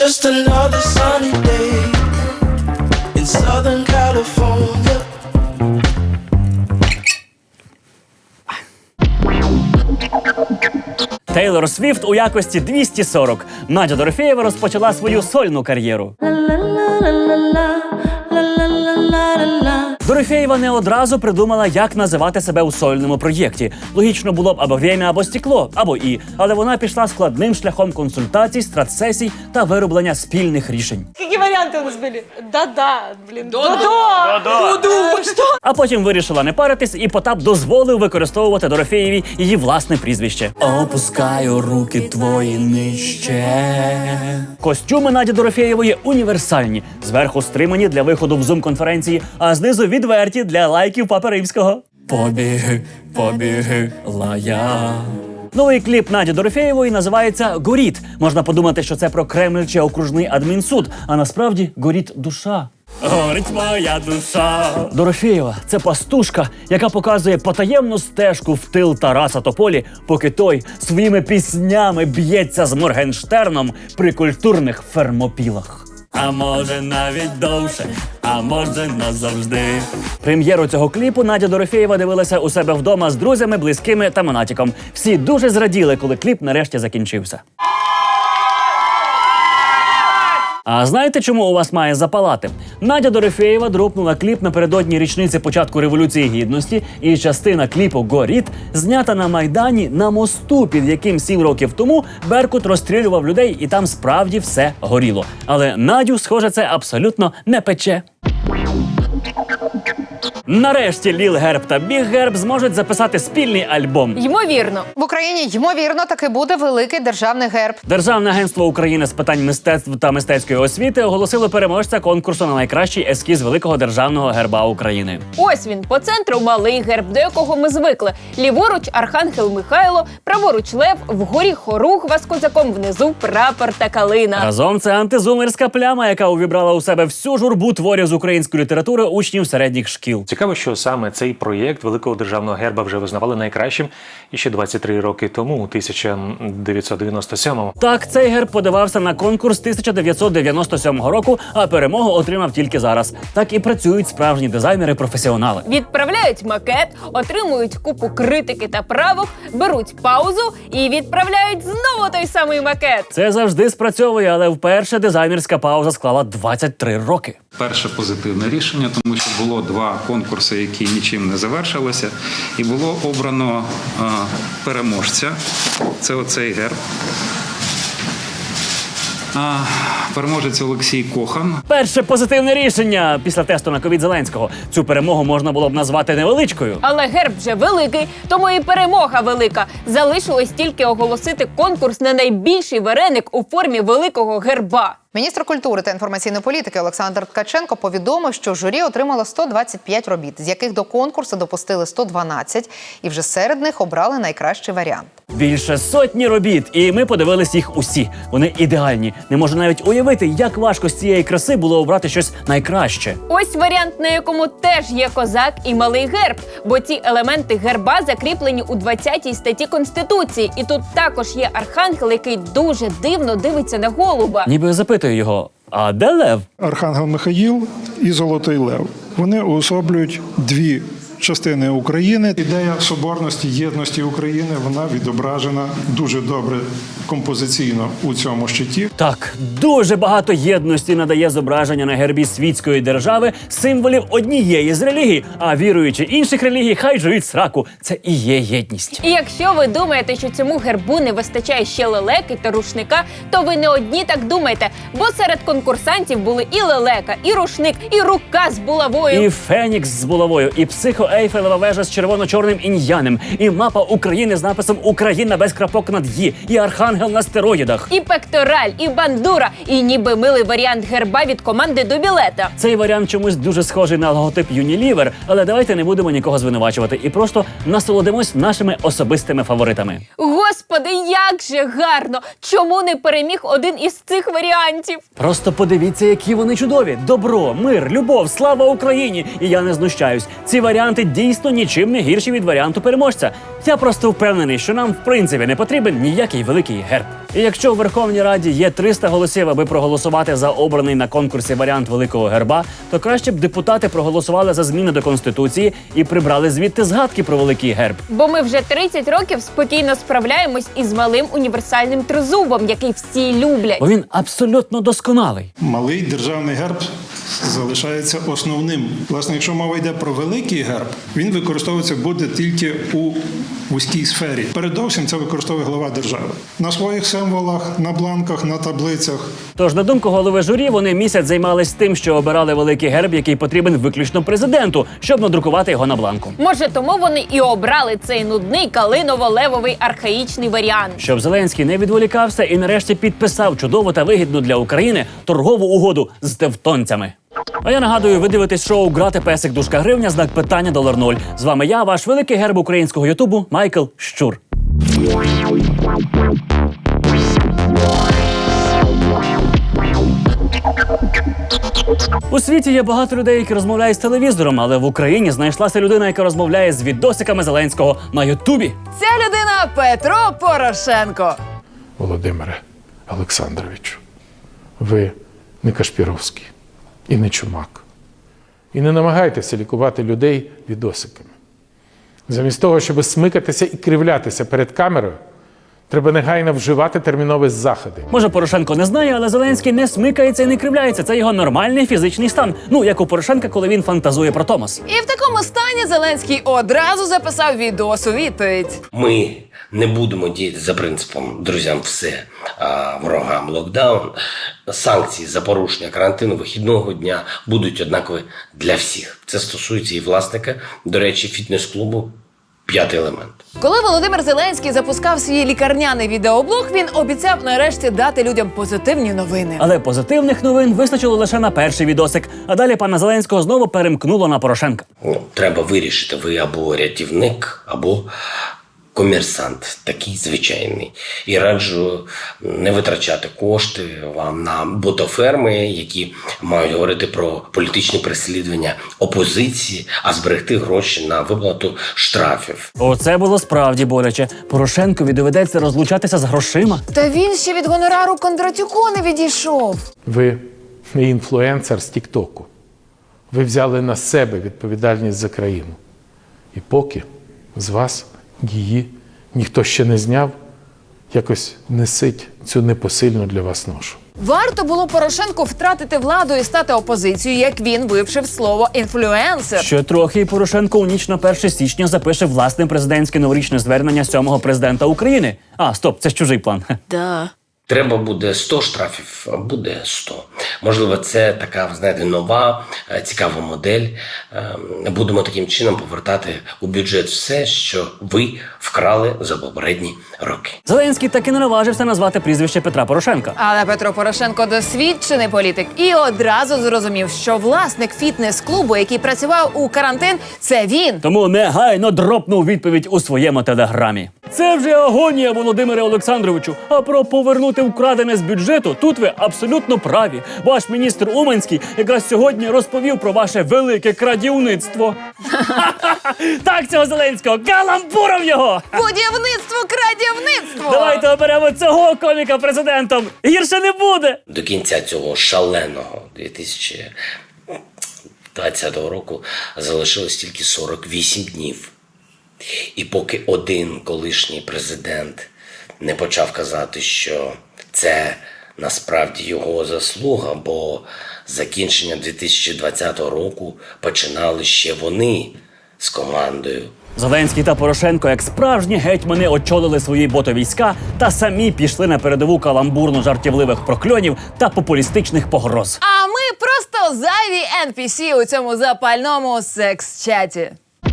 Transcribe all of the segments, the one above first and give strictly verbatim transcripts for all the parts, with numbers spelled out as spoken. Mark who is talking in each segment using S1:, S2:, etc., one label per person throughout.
S1: Just another sunny day in Southern California.
S2: Тейлор Свіфт у якості двісті сорок. Надя Дорофєєва розпочала свою сольну кар'єру. Дорофєєва не одразу придумала, як називати себе у сольному проєкті. Логічно було б або «Время», або «Стекло», або «І». Але вона пішла складним шляхом консультацій, стратсесій та вироблення спільних рішень.
S3: Які варіанти у нас були? Да-да, блін.
S4: Додо.
S3: Додо. Що?
S2: А потім вирішила не паритись, і Потап дозволив використовувати Дорофєєві її власне прізвище. Опускаю руки твої нижче. Костюми Наді Дорофєєвої універсальні. Зверху стримані для виходу в зум-конференції, а знизу відверті для лайків Папи Римського. Побіги, побіги, лая. Новий кліп Наді Дорофєєвої називається «Горіть». Можна подумати, що це про Кремль чи окружний адмінсуд, а насправді горіть душа. Горить моя душа. Дорофєєва – це пастушка, яка показує потаємну стежку в тил Тараса Тополі, поки той своїми піснями б'ється з Моргенштерном при культурних фермопілах. А може навіть довше, а може назавжди. Прем'єру цього кліпу Надя Дорофєєва дивилася у себе вдома з друзями, близькими та монатіком. Всі дуже зраділи, коли кліп нарешті закінчився. А знаєте, чому у вас має запалати? Надя Дорофєєва дропнула кліп напередодні річниці початку Революції Гідності, і частина кліпу «Горіть» знята на Майдані на мосту, під яким сім років тому Беркут розстрілював людей, і там справді все горіло. Але Надю, схоже, це абсолютно не пече. Нарешті Ліл Герб та Біг Герб зможуть записати спільний альбом.
S3: Ймовірно.
S4: В Україні, ймовірно, таки буде великий державний герб.
S2: Державне агентство України з питань мистецтв та мистецької освіти оголосило переможця конкурсу на найкращий ескіз великого державного герба України.
S3: Ось він, по центру малий герб, до якого ми звикли. Ліворуч Архангел Михайло, праворуч Лев, вгорі Хоругва з козаком, внизу прапор та калина.
S2: Разом це антизумерська пляма, яка увібрала у себе всю журбу творів з української літератури учнів середніх шкіл.
S5: Цікаво, що саме цей проєкт великого державного герба вже визнавали найкращим іще двадцять три роки тому, у тисяча дев'ятсот дев'яносто сьомому.
S2: Так, цей герб подавався на конкурс тисяча дев'ятсот дев'яносто сьомого року, а перемогу отримав тільки зараз. Так і працюють справжні дизайнери-професіонали.
S3: Відправляють макет, отримують купу критики та правок, беруть паузу і відправляють знову той самий макет.
S2: Це завжди спрацьовує, але вперше дизайнерська пауза склала двадцять три роки.
S6: Перше позитивне рішення, тому що було два конкурси, які нічим не завершилися, і було обрано а, переможця. Це оцей герб. А, переможець Олексій Кохан.
S2: Перше позитивне рішення після тесту на ковід Зеленського. Цю перемогу можна було б назвати невеличкою.
S3: Але герб вже великий, тому і перемога велика. Залишилось тільки оголосити конкурс на найбільший вареник у формі великого герба.
S4: Міністр культури та інформаційної політики Олександр Ткаченко повідомив, що журі отримало сто двадцять п'ять робіт, з яких до конкурсу допустили сто дванадцять, і вже серед них обрали найкращий варіант.
S2: Більше сотні робіт, і ми подивились їх усі. Вони ідеальні. Не можу навіть уявити, як важко з цієї краси було обрати щось найкраще.
S3: Ось варіант, на якому теж є козак і малий герб, бо ці елементи герба закріплені у двадцятій статті Конституції. І тут також є архангел, який дуже дивно дивиться на голуба.
S2: Ніби запитую його, а де лев?
S7: Архангел Михаїл і Золотий Лев. Вони уособлюють дві частини України. Ідея соборності, єдності України, вона відображена дуже добре композиційно у цьому щиті.
S2: Так, дуже багато єдності надає зображення на гербі світської держави символів однієї з релігій, а віруючи інших релігій, хай жують сраку. Це і є єдність.
S3: І якщо ви думаєте, що цьому гербу не вистачає ще лелеки та рушника, то ви не одні так думаєте, бо серед конкурсантів були і лелека, і рушник, і рука з булавою.
S2: І фенікс з булавою, і психо-ейфелева вежа з червоно-чорним іньянем, і мапа України з написом «Україна без крапок над «ї», і архангел на стероїдах.
S3: І пектораль, і бандура, і ніби милий варіант герба від команди до білета.
S2: Цей варіант чомусь дуже схожий на логотип Unilever, але давайте не будемо нікого звинувачувати і просто насолодимось нашими особистими фаворитами.
S3: Господи, як же гарно! Чому не переміг один із цих варіантів?
S2: Просто подивіться, які вони чудові. Добро, мир, любов, слава Україні! І я не знущаюсь. Ці варіанти варіанти дійсно нічим не гірші від варіанту переможця. Я просто впевнений, що нам в принципі не потрібен ніякий великий герб. І якщо в Верховній Раді є триста голосів, аби проголосувати за обраний на конкурсі варіант великого герба, то краще б депутати проголосували за зміни до Конституції і прибрали звідти згадки про великий герб.
S3: Бо ми вже тридцять років спокійно справляємось із малим універсальним тризубом, який всі люблять.
S2: Бо він абсолютно досконалий.
S7: Малий державний герб залишається основним. Власне, якщо мова йде про великий герб, він використовуватися буде тільки у вузькій сфері. Передовсім це використовує глава держави. На своїх символах, на бланках, на таблицях.
S2: Тож, на думку голови журі, вони місяць займались тим, що обирали великий герб, який потрібен виключно президенту, щоб надрукувати його на бланку.
S3: Може, тому вони і обрали цей нудний калиново-левовий архаїчний варіант.
S2: Щоб Зеленський не відволікався і нарешті підписав чудову та вигідну для України торгову угоду з тевтонцями. А я нагадую, ви дивитесь шоу «Грати песик дужка гривня», знак питання долар нуль. З вами я, ваш великий герб українського ютубу Майкл Щур. У світі є багато людей, які розмовляють з телевізором, але в Україні знайшлася людина, яка розмовляє з відосиками Зеленського на ютубі.
S8: Ця людина Петро Порошенко.
S9: Володимире Олександровичу, ви не Кашпіровський і не Чумак. І не намагайтеся лікувати людей відосиками. Замість того, щоб смикатися і кривлятися перед камерою, треба негайно вживати термінові заходи.
S2: Може, Порошенко не знає, але Зеленський не смикається і не кривляється. Це його нормальний фізичний стан. Ну, як у Порошенка, коли він фантазує про Томос.
S8: І в такому стані Зеленський одразу записав відос у відповідь.
S10: Ми не будемо діяти за принципом «друзям все, а ворогам локдаун». Санкції за порушення карантину вихідного дня будуть однакові для всіх. Це стосується і власника, до речі, фітнес-клубу «П'ятий елемент».
S8: Коли Володимир Зеленський запускав свій лікарняний відеоблог, він обіцяв нарешті дати людям позитивні новини.
S2: Але позитивних новин вистачило лише на перший відосик, а далі пана Зеленського знову перемкнуло на Порошенка.
S10: Ну, треба вирішити, ви або рятівник, або комерсант, такий звичайний. І раджу не витрачати кошти вам на ботоферми, які мають говорити про політичні переслідування опозиції, а зберегти гроші на виплату штрафів.
S2: Оце було справді боляче. Порошенкові доведеться розлучатися з грошима.
S8: Та він ще від гонорару Кондратюку не відійшов.
S9: Ви не інфлюенсер з Тік-Току. Ви взяли на себе відповідальність за країну. І поки з вас її ніхто ще не зняв, якось несіть цю непосильну для вас ношу.
S8: Варто було Порошенку втратити владу і стати опозицією, як він вивчив слово «інфлюенсер».
S2: Ще трохи і Порошенко у ніч на перше січня запише власне президентське новорічне звернення сьомого президента України. А, стоп, це ж чужий план.
S8: Да.
S10: Треба буде сто штрафів, буде сто. Можливо, це така, знаєте, нова, цікава модель. Будемо таким чином повертати у бюджет все, що ви вкрали за попередні роки.
S2: Зеленський таки не наважився назвати прізвище Петра Порошенка.
S8: Але Петро Порошенко досвідчений політик і одразу зрозумів, що власник фітнес-клубу, який працював у карантин, це він.
S2: Тому негайно дропнув відповідь у своєму телеграмі. Це вже агонія, Володимире Олександровичу. А про повернути вкрадене з бюджету тут ви абсолютно праві. Ваш міністр Уманський якраз сьогодні розповів про ваше велике крадівництво. Так цього Зеленського, каламбуром його!
S8: Будівництво, крадівництво!
S2: Давайте оберемо цього коміка президентом. Гірше не буде.
S10: До кінця цього шаленого дві тисячі двадцятого року залишилось тільки сорок вісім днів. І поки один колишній президент не почав казати, що це насправді його заслуга, бо закінчення дві тисячі двадцятого року починали ще вони з командою.
S2: Зеленський та Порошенко, як справжні гетьмани, очолили свої ботовійська та самі пішли на передову каламбурно-жартівливих прокльонів та популістичних погроз.
S8: А ми просто зайві ен пі сі у цьому запальному секс-чаті.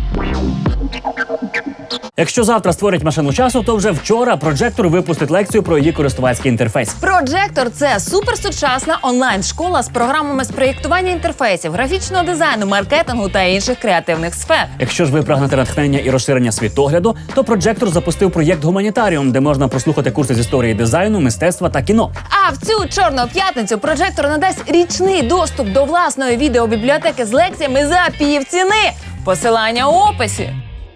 S2: Якщо завтра створять машину часу, то вже вчора Проджектор випустить лекцію про її користувацький інтерфейс.
S8: Проджектор – це суперсучасна онлайн-школа з програмами з проєктування інтерфейсів, графічного дизайну, маркетингу та інших креативних сфер.
S2: Якщо ж ви прагнете натхнення і розширення світогляду, то Проджектор запустив проєкт «Гуманітаріум», де можна прослухати курси з історії дизайну, мистецтва та кіно.
S8: А в цю чорну п'ятницю Проджектор надасть річний доступ до власної відеобібліотеки з лекціями за півціни. Посилання у описі.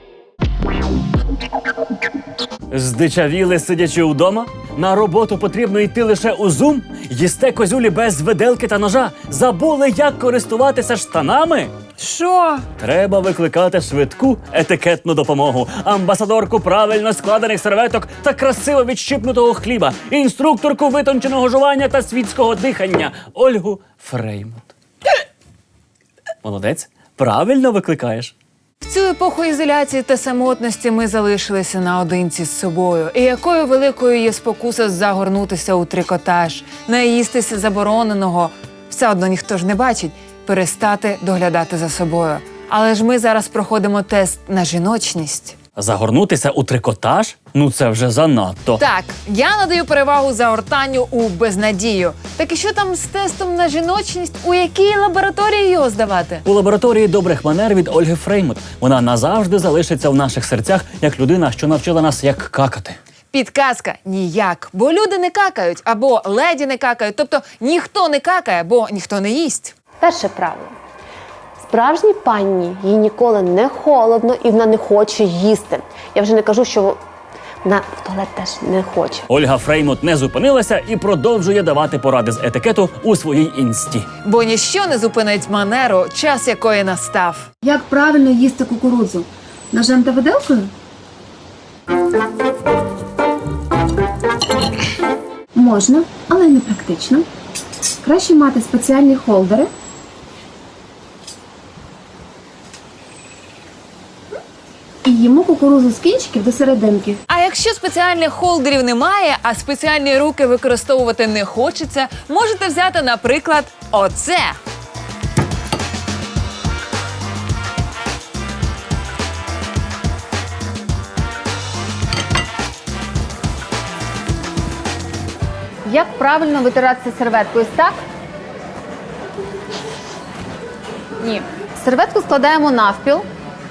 S2: Здичавіли, сидячи вдома? На роботу потрібно йти лише у Zoom? Їсте козюлі без виделки та ножа? Забули, як користуватися штанами?
S8: Що?
S2: Треба викликати швидку етикетну допомогу, амбасадорку правильно складених серветок та красиво відщипнутого хліба, інструкторку витонченого жування та світського дихання Ольгу Фреймут. Молодець, правильно викликаєш.
S8: В цю епоху ізоляції та самотності ми залишилися наодинці з собою. І якою великою є спокуса загорнутися у трикотаж, наїстися забороненого, все одно ніхто ж не бачить, перестати доглядати за собою. Але ж ми зараз проходимо тест на жіночність.
S2: Загорнутися у трикотаж? Ну це вже занадто.
S8: Так, я надаю перевагу загортанню у безнадію. Так і що там з тестом на жіночність? У якій лабораторії його здавати?
S2: У лабораторії добрих манер від Ольги Фреймут. Вона назавжди залишиться в наших серцях як людина, що навчила нас, як какати.
S8: Підказка – ніяк. Бо люди не какають, або леді не какають. Тобто ніхто не какає, бо ніхто не їсть.
S11: Перше правило. Справжній панні їй ніколи не холодно і вона не хоче їсти. Я вже не кажу, що вона в туалет теж не хоче.
S2: Ольга Фреймут не зупинилася і продовжує давати поради з етикету у своїй інсті.
S8: Бо ніщо не зупинить манеру, час якої настав.
S12: Як правильно їсти кукурудзу? Ножем та виделкою? Можна, але не практично. Краще мати спеціальні холдери. І їмо кукурудзу з кінчиків до серединки.
S8: А якщо спеціальних холдерів немає, а спеціальні руки використовувати не хочеться, можете взяти, наприклад, оце.
S11: Як правильно витиратися серветкою? Ось так? Ні. Серветку складаємо навпіл.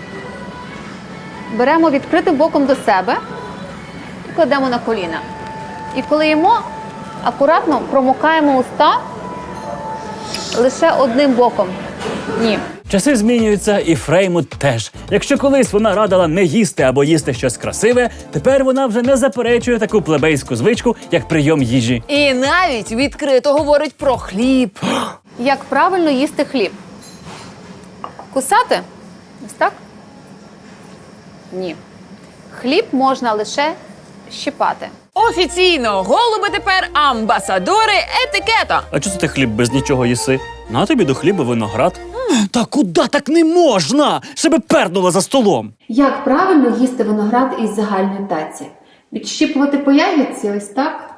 S11: Беремо відкритим боком до себе і кладемо на коліна. І коли їмо, акуратно промокаємо уста лише одним боком. Ні.
S2: Часи змінюються, і Фреймут теж. Якщо колись вона радила не їсти або їсти щось красиве, тепер вона вже не заперечує таку плебейську звичку, як прийом їжі.
S8: І навіть відкрито говорить про хліб.
S11: Як правильно їсти хліб? Кусати? Ось так? Ні. Хліб можна лише щипати.
S8: Офіційно, голуби тепер амбасадори етикету.
S2: А чого ти хліб без нічого їси? На тобі до хліба виноград. Та куди так не можна? Себе пернула за столом.
S12: Як правильно їсти виноград із загальної таці? Відщіпувати по ягідці ось так?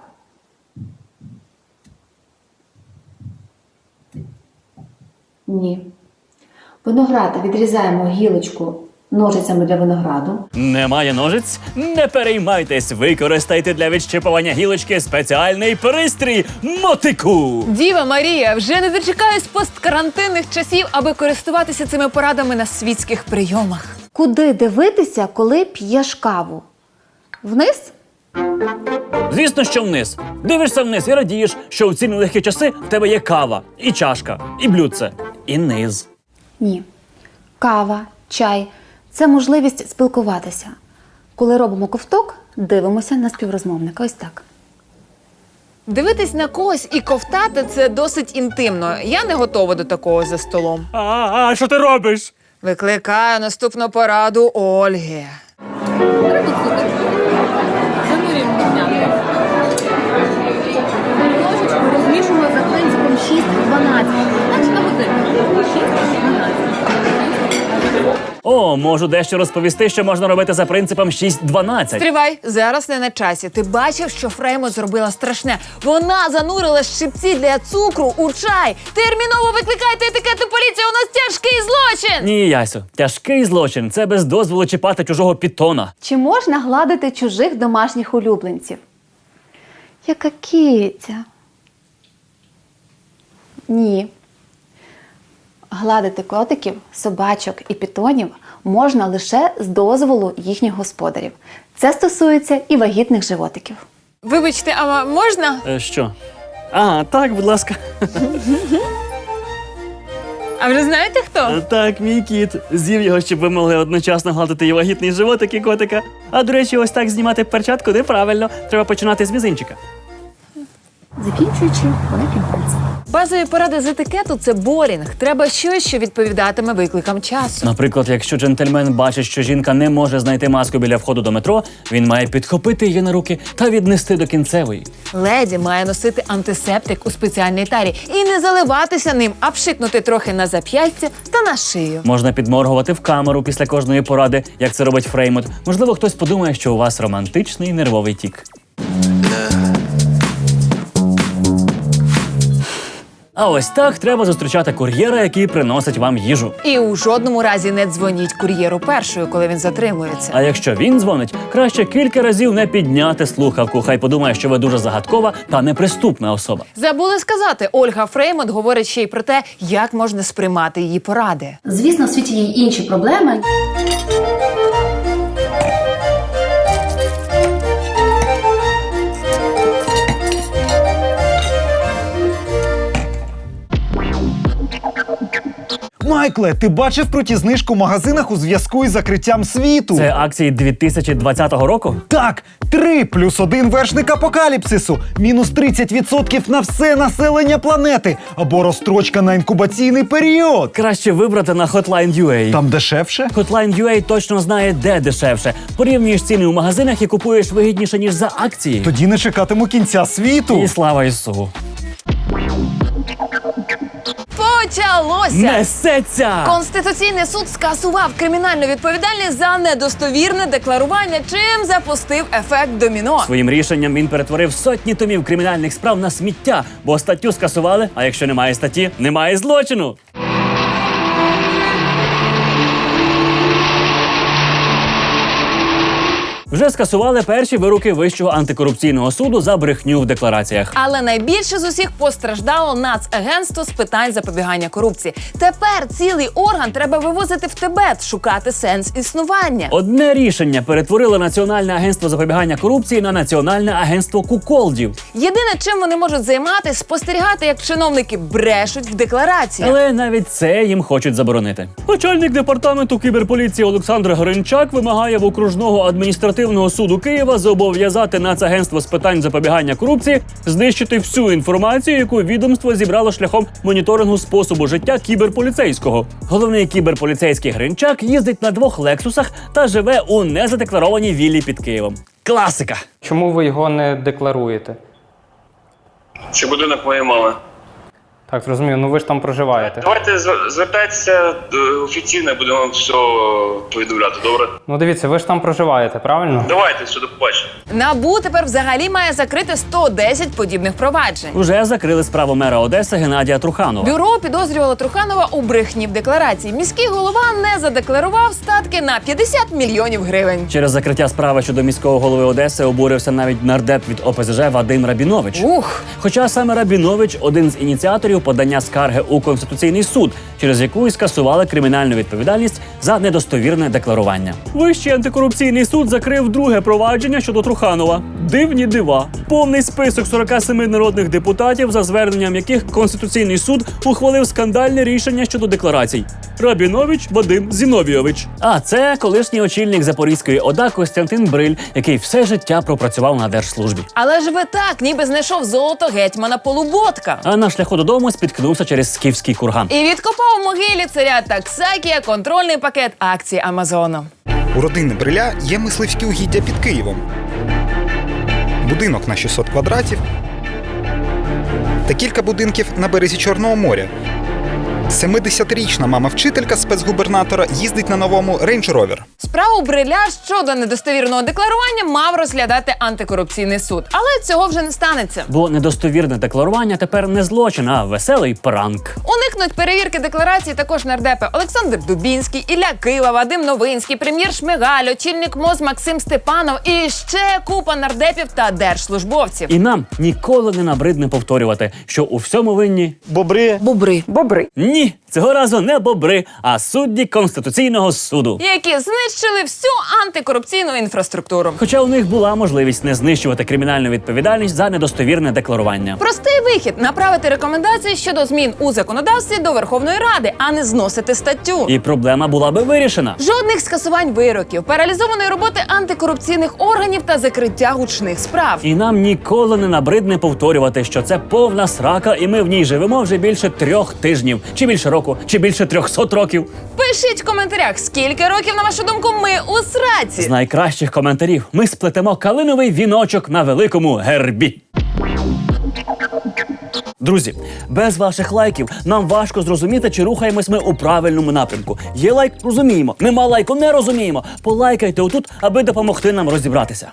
S12: Ні. Виноград відрізаємо гілочку ножицями для винограду.
S2: Немає ножиць? Не переймайтесь, використайте для відщипування гілочки спеціальний пристрій – мотику.
S8: Діва Марія, вже не дочекаюсь посткарантинних часів, аби користуватися цими порадами на світських прийомах.
S12: Куди дивитися, коли п'єш каву?
S11: Вниз?
S2: Звісно, що вниз. Дивишся вниз і радієш, що в ці нелегкі часи в тебе є кава, і чашка, і блюдце, і низ.
S12: Ні. Кава, чай – це можливість спілкуватися. Коли робимо ковток, дивимося на співрозмовника. Ось так.
S8: Дивитись на когось і ковтати – це досить інтимно. Я не готова до такого за столом.
S2: А, а що ти робиш?
S8: Викликаю наступну пораду Ольги.
S12: Розмішуємо за принципом шість дванадцять. Значить на годину. шість дванадцять.
S2: О, можу дещо розповісти, що можна робити за принципом шість дванадцять.
S8: Стривай, зараз не на часі. Ти бачив, що Фреймут зробила страшне? Вона занурила щипці для цукру у чай. Терміново викликайте етикетну поліцію, у нас тяжкий злочин!
S2: Ні, Ясю, тяжкий злочин – це без дозволу чіпати чужого пітона.
S12: Чи можна гладити чужих домашніх улюбленців? Яка киця? Ні. Гладити котиків, собачок і пітонів можна лише з дозволу їхніх господарів. Це стосується і вагітних животиків.
S8: Вибачте, а можна?
S2: Е, що? А, так, будь ласка.
S8: А вже знаєте хто?
S2: Так, мій кіт. З'їв його, щоб ви могли одночасно гладити і вагітний животик і котика. А, до речі, ось так знімати перчатку неправильно. Треба починати з мізинчика.
S12: Закінчуючи великим пальцем.
S8: Базові поради з етикету – це борінг. Треба щось, що відповідатиме викликам часу.
S2: Наприклад, якщо джентльмен бачить, що жінка не може знайти маску біля входу до метро, він має підхопити її на руки та віднести до кінцевої.
S8: Леді має носити антисептик у спеціальній тарі і не заливатися ним, а пшикнути трохи на зап'ястя та на шию.
S2: Можна підморгувати в камеру після кожної поради, як це робить Фреймут. Можливо, хтось подумає, що у вас романтичний нервовий тік. А ось так треба зустрічати кур'єра, який приносить вам їжу.
S8: І у жодному разі не дзвоніть кур'єру першою, коли він затримується.
S2: А якщо він дзвонить, краще кілька разів не підняти слухавку. Хай подумає, що ви дуже загадкова та неприступна особа.
S8: Забули сказати, Ольга Фреймут говорить ще й про те, як можна сприймати її поради.
S12: Звісно, в світі є й інші проблеми.
S13: Майкле, ти бачив круті знижки у магазинах у зв'язку із закриттям світу?
S2: Це акції дві тисячі двадцятого року?
S13: Так! Три плюс один вершник апокаліпсису. Мінус тридцять відсотків на все населення планети. Або розстрочка на інкубаційний період.
S2: Краще вибрати на Hotline точка ю а.
S13: Там дешевше?
S2: Hotline точка ю а точно знає, де дешевше. Порівнюєш ціни у магазинах і купуєш вигідніше, ніж за акції.
S13: Тоді не чекатиму кінця світу.
S2: І слава Ісу.
S8: Почалося!
S2: Несеться!
S8: Конституційний суд скасував кримінальну відповідальність за недостовірне декларування, чим запустив ефект доміно.
S2: Своїм рішенням він перетворив сотні томів кримінальних справ на сміття, бо статтю скасували, а якщо немає статті, немає злочину. Вже скасували перші вироки Вищого антикорупційного суду за брехню в деклараціях.
S8: Але найбільше з усіх постраждало Нацагентство з питань запобігання корупції. Тепер цілий орган треба вивозити в Тибет, шукати сенс існування.
S2: Одне рішення перетворило Національне агентство запобігання корупції на Національне агентство куколдів.
S8: Єдине, чим вони можуть займатися, спостерігати, як чиновники брешуть в деклараціях.
S2: Але навіть це їм хочуть заборонити. Начальник департаменту кіберполіції Олександр Гринчак вимагає в окружного адміністративного суду Києва зобов'язати Нацагентство з питань запобігання корупції знищити всю інформацію, яку відомство зібрало шляхом моніторингу способу життя кіберполіцейського. Головний кіберполіцейський Гринчак їздить на двох лексусах та живе у незадекларованій віллі під Києвом. Класика!
S14: Чому ви його не декларуєте?
S15: Це будинок моєї мами.
S14: Так, зрозумів, ну ви ж там проживаєте.
S15: Давайте звертайтеся офіційно, будемо вам все повідомляти, добре?
S14: Ну дивіться, ви ж там проживаєте, правильно?
S15: Давайте, все, до побачення.
S8: НАБУ тепер взагалі має закрити сто десять подібних проваджень.
S2: Уже закрили справу мера Одеси Геннадія Труханова.
S8: Бюро підозрювало Труханова у брехні в декларації. Міський голова не задекларував статки на п'ятдесят мільйонів гривень.
S2: Через закриття справи щодо міського голови Одеси обурився навіть нардеп від О Пе Зе Же Вадим Рабінович.
S8: Ух!
S2: Хоча саме Рабінович – один з ініціаторів подання скарги у Конституційний суд, через яку і скасували кримінальну відповідальність за недостовірне декларування. Вищий антикорупційний суд закрив друге провадження щодо Труханова. Дивні дива. Повний список сорока семи народних депутатів, за зверненням яких Конституційний суд ухвалив скандальне рішення щодо декларацій. Рабінович Вадим Зіновійович. А це колишній очільник Запорізької ОДА Костянтин Бриль, який все життя пропрацював на держслужбі.
S8: Але ж ви так, ніби знайшов золото гетьмана Полуботка.
S2: А на шляху додому спіткнувся через скіфський курган.
S8: І відкопав у могилі царя Таксакія контрольний пакет акцій Амазону.
S16: У родини Бриля є мисливські угіддя під Києвом. Будинок на шістсот квадратів та кілька будинків на березі Чорного моря. семидесятирічна мама-вчителька спецгубернатора їздить на новому Range Rover.
S8: Справу Бриля щодо недостовірного декларування мав розглядати антикорупційний суд. Але цього вже не станеться.
S2: Бо недостовірне декларування тепер не злочин, а веселий пранк.
S8: Уникнуть перевірки декларації також нардепи Олександр Дубінський, Ілля Кива, Вадим Новинський, прем'єр Шмигаль, очільник МОЗ Максим Степанов і ще купа нардепів та держслужбовців.
S2: І нам ніколи не набридне повторювати, що у всьому винні
S8: бобри. Бобри. Бобри.
S2: Ні, цього разу не бобри, а судді Конституційного суду.
S8: Які знищили всю антикорупційну інфраструктуру.
S2: Хоча у них була можливість не знищувати кримінальну відповідальність за недостовірне декларування.
S8: Простий вихід – направити рекомендації щодо змін у законодавстві законодавстві до Верховної Ради, а не зносити статтю.
S2: І проблема була би вирішена.
S8: Жодних скасувань вироків, паралізованої роботи антикорупційних органів та закриття гучних справ.
S2: І нам ніколи не набридне повторювати, що це повна срака, і ми в ній живемо вже більше трьох тижнів, чи більше року, чи більше трьохсот років.
S8: Пишіть в коментарях, скільки років, на вашу думку, ми у сраці.
S2: З найкращих коментарів ми сплетемо калиновий віночок на великому гербі. Друзі, без ваших лайків нам важко зрозуміти, чи рухаємось ми у правильному напрямку. Є лайк – розуміємо, нема лайку – не розуміємо. Полайкайте отут, аби допомогти нам розібратися.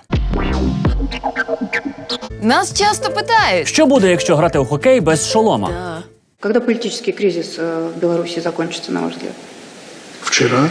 S8: Нас часто питають.
S2: Що буде, якщо грати у хокей без шолома?
S8: Да.
S17: Когда политический кризис э, в Беларуси закончится, на ваш взгляд?
S18: Вчера.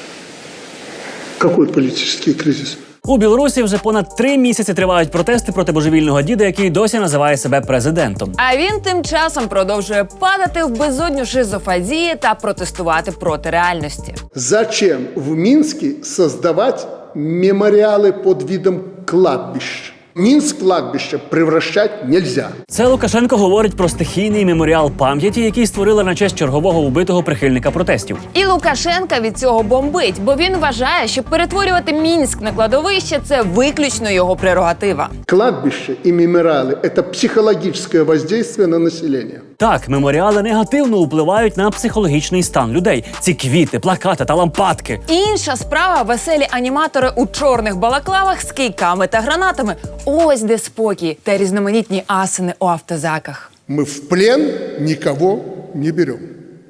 S18: Какой политический кризис?
S2: У Білорусі вже понад три місяці тривають протести проти божевільного діда, який досі називає себе президентом.
S8: А він тим часом продовжує падати в безодню шизофазії та протестувати проти реальності.
S18: Зачем в Минске создавать мемориалы под видом кладбищ? Минск кладбище превращать нельзя.
S2: Це Лукашенко говорить про стихійний меморіал пам'яті, який створили на честь чергового убитого прихильника протестів.
S8: І Лукашенка від цього бомбить, бо він вважає, що перетворювати Мінськ на кладовище – це виключно його прерогатива.
S18: Кладбище и мемориалы – это психологическое воздействие на население.
S2: Так, меморіали негативно впливають на психологічний стан людей. Ці квіти, плакати та лампадки.
S8: Інша справа – веселі аніматори у чорних балаклавах з кийками та гранатами. Ось де спокій та різноманітні асини у автозаках.
S18: Мы в плен никого не берем.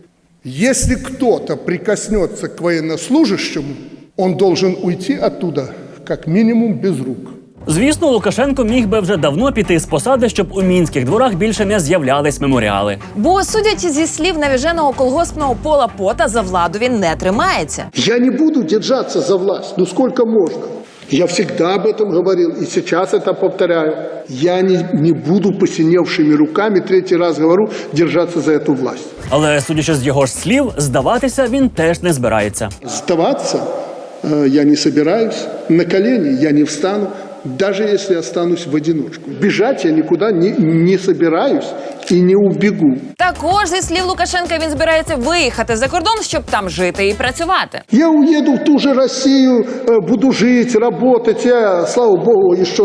S18: Если кто-то прикоснется к военнослужащему, он должен уйти оттуда как минимум без рук.
S2: Звісно, Лукашенко міг би вже давно піти з посади, щоб у мінських дворах більше не з'являлись меморіали.
S8: Бо, судячи зі слів навіженого колгоспного Пола Пота, за владу він не тримається.
S18: Я не буду держаться за власть, ну сколько можно. Я всегда об этом говорил и сейчас это повторяю. Я не, не буду посиневшими руками, третий раз говорю, держаться за эту власть.
S2: Але, судячи з його ж слів, здаватися він теж не збирається.
S18: Сдаваться э, я не собираюсь, на колени я не встану, даже если останусь в одиночку. Бежать я никуда не, не собираюсь і не убегу.
S8: Також, зі слів Лукашенка, він збирається виїхати за кордон, щоб там жити і працювати.
S18: Я уеду в ту же Россию, буду жить, работать. Я, слава Богу, еще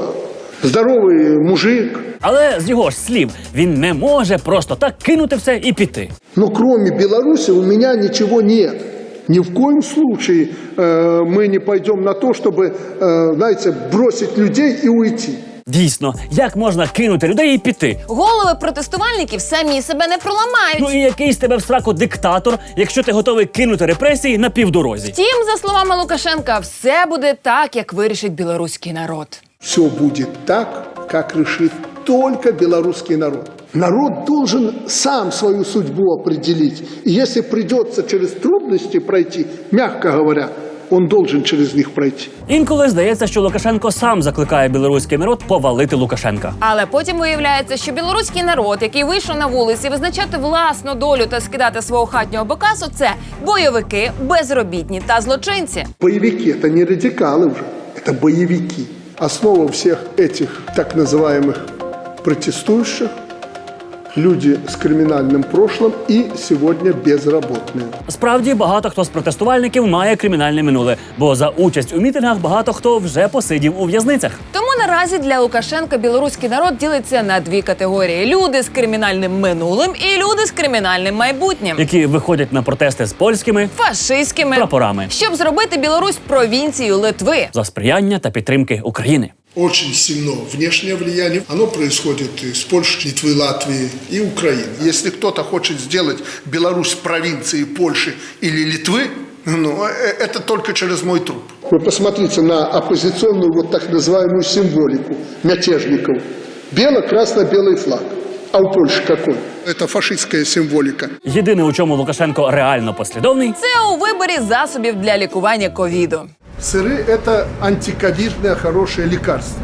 S18: здоровий мужик.
S2: Але з його ж слів, він не може просто так кинути все і піти.
S18: Но кроме Беларуси у меня ничего нет. Ни в коем случае э, мы не пойдем на то, чтобы, э, знаете, бросить людей и уйти.
S2: Дійсно, як можна кинути людей і піти?
S8: Голови протестувальників самі себе не проламають.
S2: Ну і який з тебе в сраку диктатор, якщо ти готовий кинути репресії на півдорозі?
S8: Втім, за словами Лукашенка, все буде так, як вирішить білоруський народ.
S18: Все будет так, как решит только белорусский народ. Народ должен сам свою судьбу определить. И если придется через трудности пройти, мягко говоря, он должен через них пройти.
S2: Інколи здається, що Лукашенко сам закликає білоруський народ повалити Лукашенка.
S8: Але потім виявляється, що білоруський народ, який вийшов на вулиці визначати власну долю та скидати свого хатнього бокасу, це бойовики, безробітні та злочинці.
S18: Боевики – это не радикалы уже, это боевики. Основа всех этих так называемых протестующих – люди з кримінальним прошлым і сьогодні безробітні.
S2: Справді, багато хто з протестувальників має кримінальне минуле, бо за участь у мітингах багато хто вже посидів у в'язницях.
S8: Тому наразі для Лукашенка білоруський народ ділиться на дві категорії: люди з кримінальним минулим і люди з кримінальним майбутнім,
S2: які виходять на протести з польськими,
S8: фашистськими
S2: прапорами,
S8: щоб зробити Білорусь провінцією Литви
S2: за сприяння та підтримки України.
S18: Очень сильно внешнее влияние. Оно происходит из Польши, Литвы, Латвии и Украины. Если кто-то хочет сделать Беларусь провинцией Польши или Литвы, ну, это только через мой труп. Вы посмотрите на оппозиционную вот так называемую символику мятежников. Бело-красно-белый флаг. А у Польши какой? Это фашистская символика.
S2: Єдине, у чому Лукашенко реально послідовний,
S8: це у виборі засобів для лікування ковіду.
S18: Сыры – это антиковидное хорошее лекарство.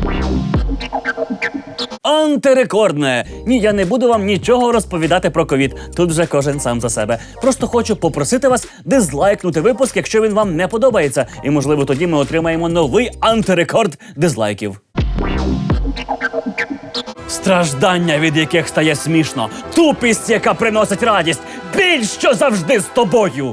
S2: Антирекордне! Ні, я не буду вам нічого розповідати про ковід. Тут вже кожен сам за себе. Просто хочу попросити вас дизлайкнути випуск, якщо він вам не подобається. І, можливо, тоді ми отримаємо новий антирекорд дизлайків. Страждання, від яких стає смішно, тупість, яка приносить радість, біль, що завжди з тобою.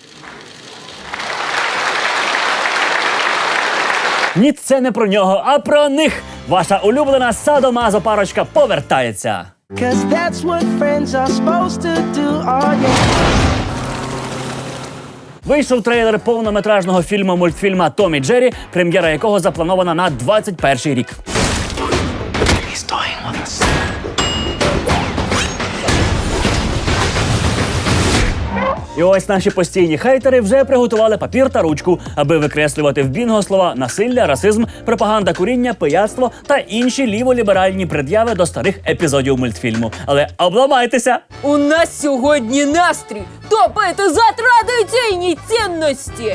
S2: Ні, це не про нього, а про них. Ваша улюблена садомазо парочка повертається.
S1: Cause that's what friends are supposed to do, oh yeah.
S2: Вийшов трейлер повнометражного фільму-мультфільма «Том і Джері», прем'єра якого запланована на двадцять перший рік. І ось наші постійні хейтери вже приготували папір та ручку, аби викреслювати в бінго слова «насилля», «расизм», «пропаганда куріння», «пияцтво» та інші ліволіберальні пред'яви до старих епізодів мультфільму. Але обламайтеся!
S3: У нас сьогодні настрій топити за традиційні цінності!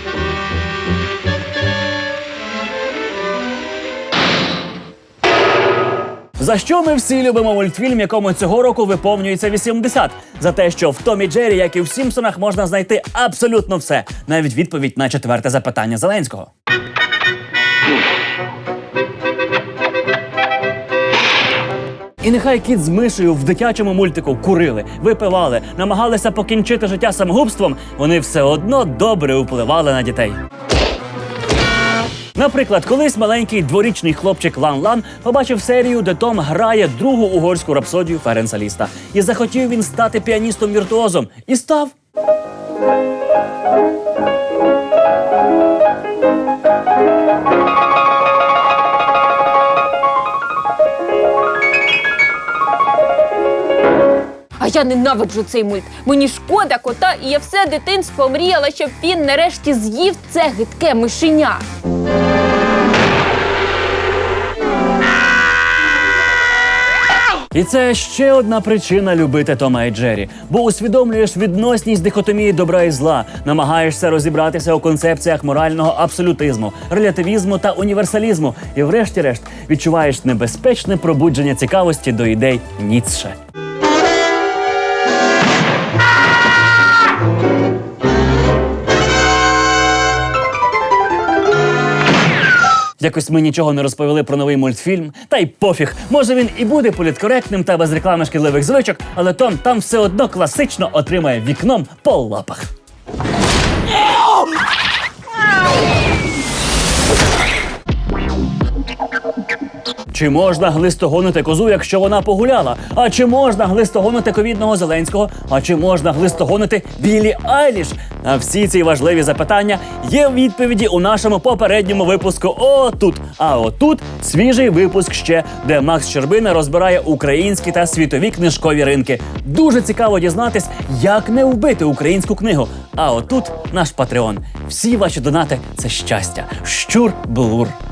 S2: За що ми всі любимо мультфільм, якому цього року виповнюється вісімдесят? За те, що в Томі Джері, як і в Сімпсонах, можна знайти абсолютно все. Навіть відповідь на четверте запитання Зеленського. І нехай кіт з мишею в дитячому мультику курили, випивали, намагалися покінчити життя самогубством, вони все одно добре впливали на дітей. Наприклад, колись маленький дворічний хлопчик Лан-Лан побачив серію, де Том грає другу угорську рапсодію Ференца Ліста. І захотів він стати піаністом-віртуозом. І став.
S3: А я ненавиджу цей мульт. Мені шкода кота, і я все дитинство мріяла, щоб він нарешті з'їв це гидке мишеня.
S2: І це ще одна причина любити Тома і Джері. Бо усвідомлюєш відносність дихотомії добра і зла, намагаєшся розібратися у концепціях морального абсолютизму, релятивізму та універсалізму. І врешті-решт відчуваєш небезпечне пробудження цікавості до ідей Ніцше. Якось ми нічого не розповіли про новий мультфільм, та й пофіг. Може він і буде політкоректним та без реклами шкідливих звичок, але Том там все одно класично отримає вікном по лапах. Чи можна глистогонити козу, якщо вона погуляла? А чи можна глистогонити ковідного Зеленського? А чи можна глистогонити Біллі Айліш? На всі ці важливі запитання є відповіді у нашому попередньому випуску «Отут». А отут свіжий випуск ще, де Макс Щербина розбирає українські та світові книжкові ринки. Дуже цікаво дізнатись, як не вбити українську книгу. А отут наш Патреон. Всі ваші донати – це щастя. Щур-блур.